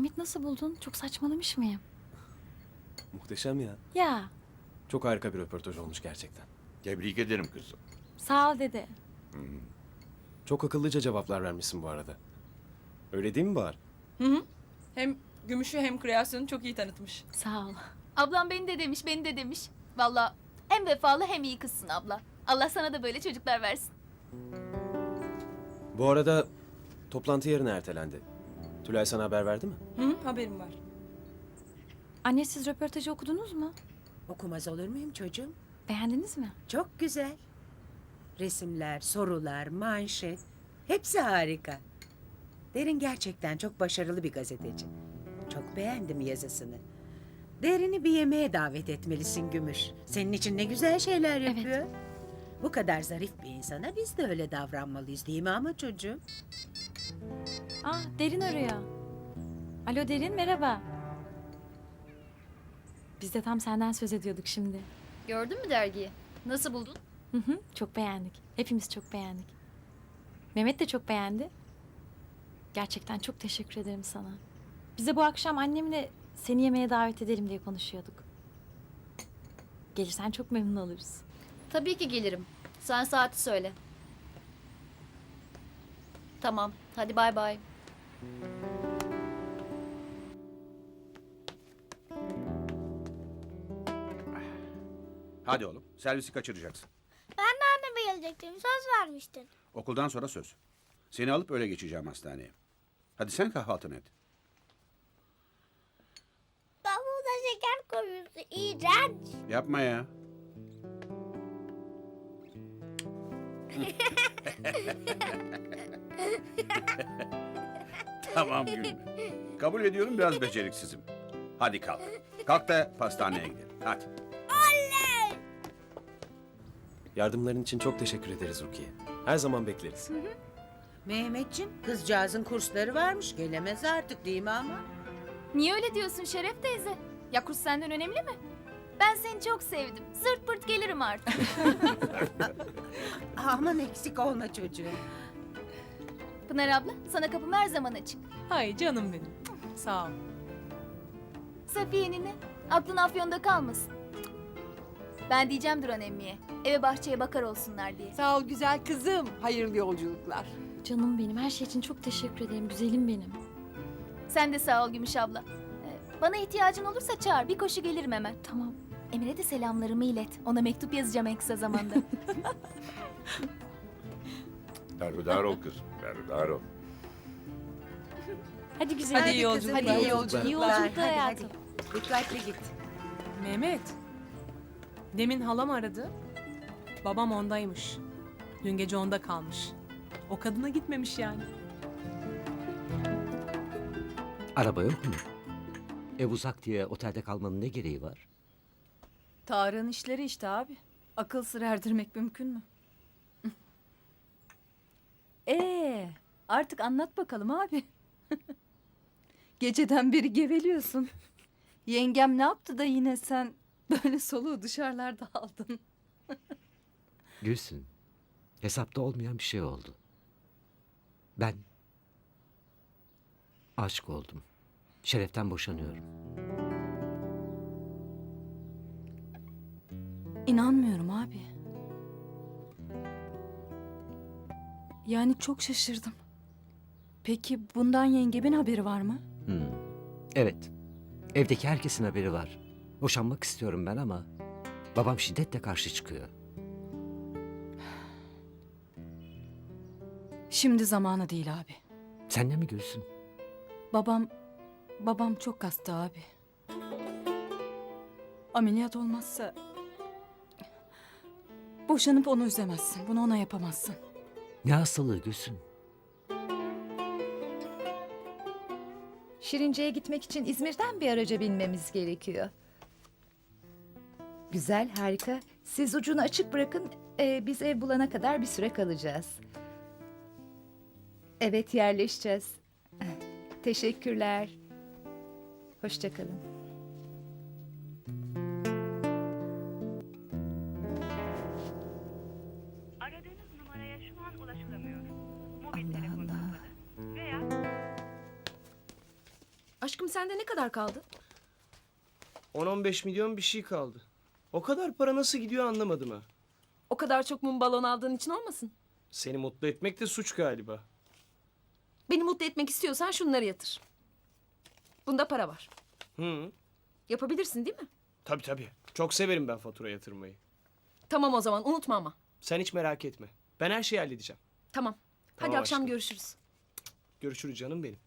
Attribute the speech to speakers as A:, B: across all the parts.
A: Mehmet nasıl buldun? Çok saçmalamış mıyım?
B: Muhteşem ya.
A: Ya
B: Çok harika bir röportaj olmuş gerçekten.
C: Tebrik ederim kızım.
A: sağ ol dede.
B: Çok akıllıca cevaplar vermişsin bu arada. Öyle değil mi Bahar?
D: Hem Gümüş'ü hem kreasyonu çok iyi tanıtmış.
A: Sağ ol.
E: Ablam beni de demiş, beni de demiş. Vallahi hem vefalı hem iyi kızsın abla. Allah sana da böyle çocuklar versin.
B: Bu arada toplantı yarına ertelendi. Tülay sana haber verdi mi?
D: Haberim var.
A: Anne siz röportajı okudunuz mu?
F: Okumaz olur muyum çocuğum?
A: Beğendiniz mi?
F: Çok güzel. Resimler, sorular, manşet. Hepsi harika. Derin gerçekten çok başarılı bir gazeteci. Çok beğendim yazısını. Derin'i bir yemeğe davet etmelisin Gümüş. Senin için ne güzel şeyler
A: Evet.
F: yapıyor. Bu kadar zarif bir insana biz de öyle davranmalıyız değil mi ama çocuğum?
A: Derin arıyor. Alo Derin merhaba. Biz de tam senden söz ediyorduk şimdi.
E: Gördün mü dergiyi? Nasıl buldun?
A: Çok beğendik. Hepimiz çok beğendik. Mehmet de çok beğendi. Gerçekten çok teşekkür ederim sana. Bize bu akşam annemle seni yemeğe davet edelim diye konuşuyorduk. Gelirsen çok memnun oluruz.
E: Tabii ki gelirim. Sen saati söyle. Tamam, hadi bay bay.
C: Hadi oğlum, servisi kaçıracaksın.
G: Ben de anneme gelecektim. Söz vermiştin.
C: Okuldan sonra söz. Seni alıp öyle geçeceğim hastaneye. Hadi sen kahvaltını et.
G: Davulda şeker koyuyorsun. İğrenç.
C: Yapma ya. Tamam gülme. Kabul ediyorum biraz beceriksizim. Hadi kalk. Kalk da pastaneye gidelim. Hadi.
B: Yardımların için çok teşekkür ederiz Rukiye. Her zaman bekleriz.
F: Mehmetciğim, kızcağızın kursları varmış. Gelemez artık değil mi ama?
E: Niye öyle diyorsun Şeref teyze? Ya kurs senden önemli mi? Ben seni çok sevdim. Zırt pırt gelirim artık.
F: Aman eksik olma çocuğum.
E: Pınar abla, sana kapım her zaman açık.
D: Hay canım benim. Sağ ol.
E: Safiye nene, aklın Afyon'da kalmasın. Ben diyeceğim Duran emmiye. Eve bahçeye bakar olsunlar diye.
H: Sağ ol güzel kızım. Hayırlı yolculuklar.
A: Canım benim, her şey için çok teşekkür ederim. Güzelim benim.
E: Sen de sağ ol Gümüş abla. Bana ihtiyacın olursa çağır, bir koşu gelirim hemen.
A: Tamam.
E: Emre de selamlarımı ilet. Ona mektup yazacağım en kısa zamanda.
C: Berhudar ol kızım, berhudar ol.
A: Hadi güzelim.
D: Hadi iyi
F: kızım,
D: yolculuklar.
F: iyi
A: İyi
F: yolculuklar.
A: yolculuklar
F: Hadi,
A: hayatım.
F: hadi. Dikkatli git.
D: Mehmet. Demin halam aradı. Babam ondaymış. Dün gece onda kalmış. O kadına gitmemiş yani.
I: Araba yok mu? Ev uzak diye otelde kalmanın ne gereği var?
J: Tarık'ın işleri işte abi. Akıl sır erdirmek mümkün mü? Artık anlat bakalım abi. Geceden beri geveliyorsun. Yengem ne yaptı da yine sen böyle soluğu dışarılarda aldın?
I: Gülsün, hesapta olmayan bir şey oldu. Ben aşık oldum. Şereften boşanıyorum.
J: İnanmıyorum abi. Yani çok şaşırdım. Peki bundan yengemin haberi var mı?
I: Evet, evdeki herkesin haberi var. Boşanmak istiyorum ben ama babam şiddetle karşı çıkıyor.
J: Şimdi zamanı değil abi.
I: Sen de mi Gülsün?
J: Babam çok hasta abi. Ameliyat olmazsa boşanıp onu üzemezsin. Bunu ona yapamazsın.
I: Ne hastalığı Gülsün?
K: Şirince'ye gitmek için İzmir'den bir araca binmemiz gerekiyor. Güzel, harika. Siz ucunu açık bırakın. Biz ev bulana kadar bir süre kalacağız. Evet, yerleşeceğiz. Teşekkürler. Hoşça kalın.
L: Aradığınız numaraya şu an ulaşılamıyor. Mobil
K: Allah
L: telefon
K: Allah.
L: kapalı. Veya
J: Aşkım sende ne kadar kaldı?
M: 10-15 milyon bir şey kaldı. O kadar para nasıl gidiyor anlamadım ha.
J: O kadar çok mum balon aldığın için olmasın?
M: Seni mutlu etmek de suç galiba.
J: Beni mutlu etmek istiyorsan şunları yatır. Bunda para var.
M: Hı,
J: Yapabilirsin değil mi?
M: tabii tabii. Çok severim ben fatura yatırmayı.
J: Tamam o zaman unutma ama.
M: Sen hiç merak etme. Ben her şeyi halledeceğim.
J: Tamam. Hadi
M: Tamam
J: akşam
M: aşkım.
J: görüşürüz.
M: Görüşürüz canım benim.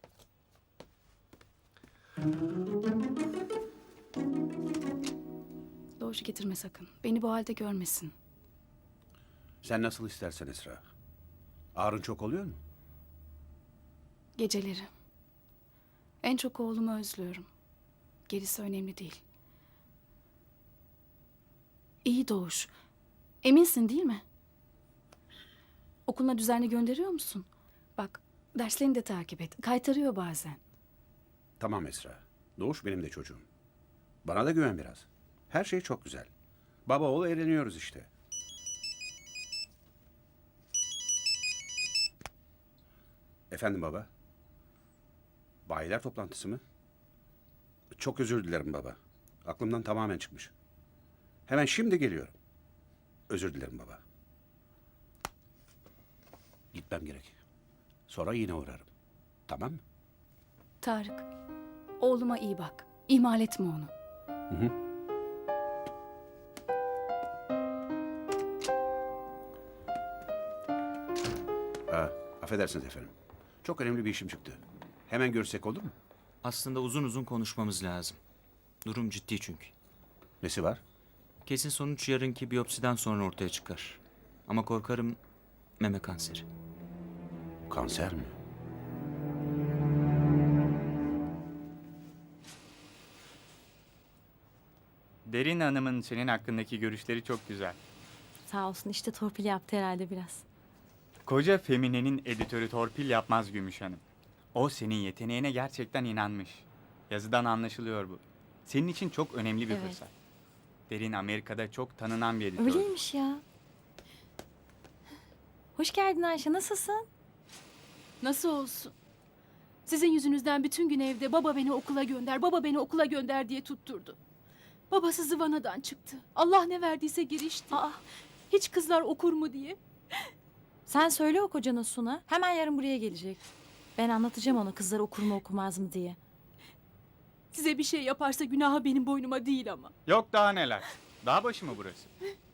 J: Doğuş getirme sakın. Beni bu halde görmesin.
C: Sen nasıl istersen Esra. Ağrın çok oluyor mu?
J: Geceleri. En çok oğlumu özlüyorum. Gerisi önemli değil. İyi Doğuş. Eminsin değil mi? Okuluna düzenli gönderiyor musun? Bak, derslerini de takip et. Kaytarıyor bazen.
C: Tamam Esra. Doğuş benim de çocuğum. Bana da güven biraz. Her şey çok güzel. Baba oğul eğleniyoruz işte. Efendim baba? Bayiler toplantısı mı? Çok özür dilerim baba. Aklımdan tamamen çıkmış. Hemen şimdi geliyorum. Özür dilerim baba. Gitmem gerek. Sonra yine uğrarım. Tamam mı?
J: Tarık, oğluma iyi bak. İhmal etme onu.
C: Hı hı. Affedersiniz efendim. Çok önemli bir işim çıktı. Hemen görüşsek olur mu?
N: Aslında uzun uzun konuşmamız lazım. Durum ciddi çünkü.
C: Nesi var?
N: Kesin sonuç yarınki biyopsiden sonra ortaya çıkar. Ama korkarım meme kanseri.
C: Kanser mi?
O: Derin Hanım'ın senin hakkındaki görüşleri çok güzel.
A: Sağ olsun işte torpil yaptı herhalde biraz.
O: Koca Femine'nin editörü torpil yapmaz Gümüş Hanım. O senin yeteneğine gerçekten inanmış. Yazıdan anlaşılıyor bu. Senin için çok önemli bir
A: Evet.
O: fırsat. Derin Amerika'da çok tanınan bir editör.
A: Öyleymiş ya. Hoş geldin Ayşe, nasılsın?
J: Nasıl olsun? Sizin yüzünüzden bütün gün evde baba beni okula gönder, baba beni okula gönder diye tutturdu. Babası zıvanadan çıktı. Allah ne verdiyse girişti.
A: Aa,
J: Hiç kızlar okur mu diye.
A: sen söyle o kocana Suna. Hemen yarın buraya gelecek. Ben anlatacağım ona kızlar okur mu okumaz mı diye.
J: Size bir şey yaparsa günahı benim boynuma değil ama.
O: Yok daha neler. Dağ başı mı burası?